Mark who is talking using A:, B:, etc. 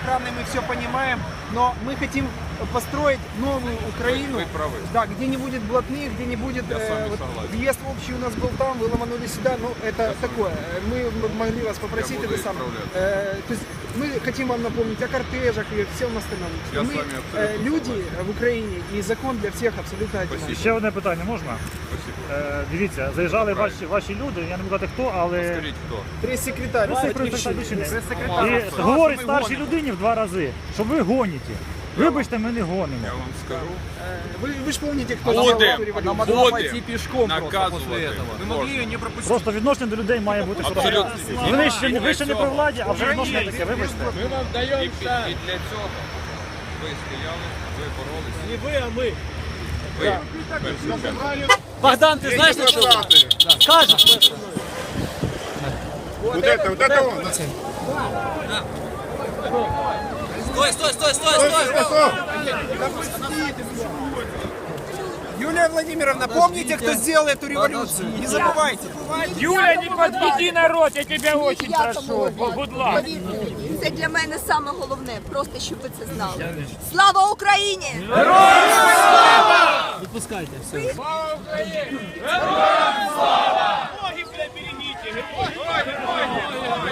A: охраной, мы все понимаем, но мы хотим построить новую Украину, да, где не будет блатных, где не будет въезд общий у нас был там, вы ломанули сюда, ну это такое. Мы могли вас попросить это самое. То есть мы хотим вам напомнить о кортежах и всем остальном. Мы люди в Україні і закон для всіх абсолютно один.
B: Ще одне питання можна? Дивіться, заїжджали ваші люди, я не буду казати хто, але...
C: Скажіть хто?
A: Прес-секретарь. І
B: говорить старшій людині в 2 рази, що ви гоніте. Вибачте, ми не гонимо.
C: Я вам скажу.
A: Ви ж пам'ятаєте, хто
C: Будем наказувати.
D: Вы могли ее не пропустить.
B: Просто відношення до людей має бути хороше. Ви ще не при владі, а вже відношення таке, вибачте.
C: Ми вам даємо і для цього ви стояли, ви боролися.
D: Не вы, а мы.
C: Ви.
D: Богдан, ты знаешь, на что? Скажешь?
E: Вот это он.
D: Стой!
A: Юлия Владимировна, помните, кто сделал эту революцию? Не забывайте.
F: Юля, не подведи народ, я тебя очень прошу. Будь ласка.
G: Це для мене саме головне, просто щоб ви це знали. Слава Україні!
D: Выпускайте, все.
F: Слава Україні! Героям слава! Ноги, бля, берегите! Героям!